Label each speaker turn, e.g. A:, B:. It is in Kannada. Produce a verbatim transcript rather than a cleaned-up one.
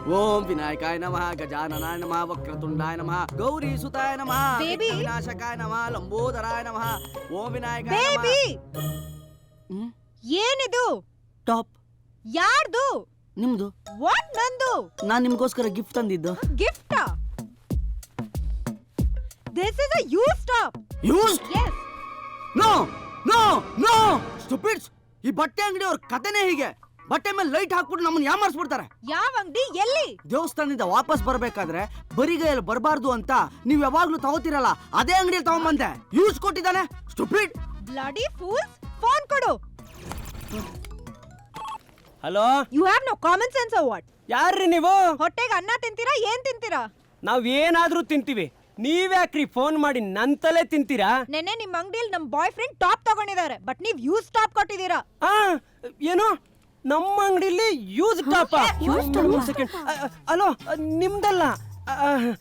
A: ಓಂ ವಿನಾಯಕಾಯ ನಮಃ, ಗಜಾನನಾಯ ನಮಃ, ವಕ್ರತುಂಡಾಯ ನಮಃ, ಗೌರಿ ಸುತಾಯ ನಮಃ,
B: ಬೇಬಿ
A: ವಿನಾಶಕಾಯ ನಮಃ, ಲಂಬೋದರಾಯ ನಮಃ. ಓಂ ವಿನಾಯಕಾಯ
B: ಬೇಬಿ
A: ನಮಃ.
B: ಏನಿದು?
A: ಟಾಪ್
B: ಯಾರ್ದು?
A: ನಿಮ್ದು.
B: ವಾಟ್ ನಂದು?
A: ನಾನ್ ನಿಮ್ಗೋಸ್ಕರ ಗಿಫ್ಟ್ ತಂದಿದ್ದು.
B: Gift? This is a used top.
A: Used?
B: Yes.
A: No no no stupids. ಈ ಬಟ್ಟೆ ಅಂಗಡಿಯವ್ರ ಕತೆನೇ ಹೀಗೆ. ಬಟ್ಟೆ ಮೇಲೆ ಲೈಟ್ ಹಾಕ್ಬಿಟ್ಟು ನಮ್ಮನ್ನ ಯಾಮಾರಿಸ್ಬಿಡ್ತಾರೆ.
B: ಯಾವ ಅಂಗಡಿ? ಎಲ್ಲಿ?
A: ದೇವಸ್ಥಾನದಿಂದ ವಾಪಸ್ ಬರ್ಬೇಕಾದ್ರೆ ಬರಿಗೈಯಲ್ಲಿ ಬರಬಾರ್ದು ಅಂತ ನೀವ್ ಯಾವಾಗ್ಲೂ ತಗೋತಿರಲ್ಲ, ಅದೇ ಅಂಗಡಿಯಲ್ಲಿ ತಗೊಂಬಂದೆ. ಯೂಸ್ ಕೊಟ್ಟಿದ್ದಾನೆ. ಸ್ಟುಪಿಡ್.
B: Bloody fools. ಫೋನ್ ಕೊಡು.
C: Hello,
B: you have no common sense or what?
C: ಯಾರ್ರಿ ನೀವು?
B: ಹೊಟ್ಟೆಗೆ ಅನ್ನ ತಿಂತೀರಾ? ಏನ್ ತಿಂತೀರಾ?
C: ನಾವ್ ಏನಾದ್ರೂ ತಿಂತೀವಿ, ನೀವ್ಯಾಕ್ರಿ ಫೋನ್ ಮಾಡಿ ನನ್ ತಲೆ ತಿಂತೀರಾ?
B: ನೆನ್ನೆ ನಿಮ್ ಅಂಗಡಿಯಲ್ಲಿ ನಮ್ ಬಾಯ್ ಫ್ರೆಂಡ್ ಟಾಪ್ ತಗೊಂಡಿದ್ದಾರೆ, ಬಟ್ ನೀವ್ ಯೂಸ್ ಟಾಪ್ ಕೊಟ್ಟಿದ್ದೀರಾ.
C: ಆ ಏನು ನಮ್ಮ ಅಂಗಡಿಲಿ used top?
B: Used top?
C: Second. Hello, ನಿಮ್ದಲ್ಲ.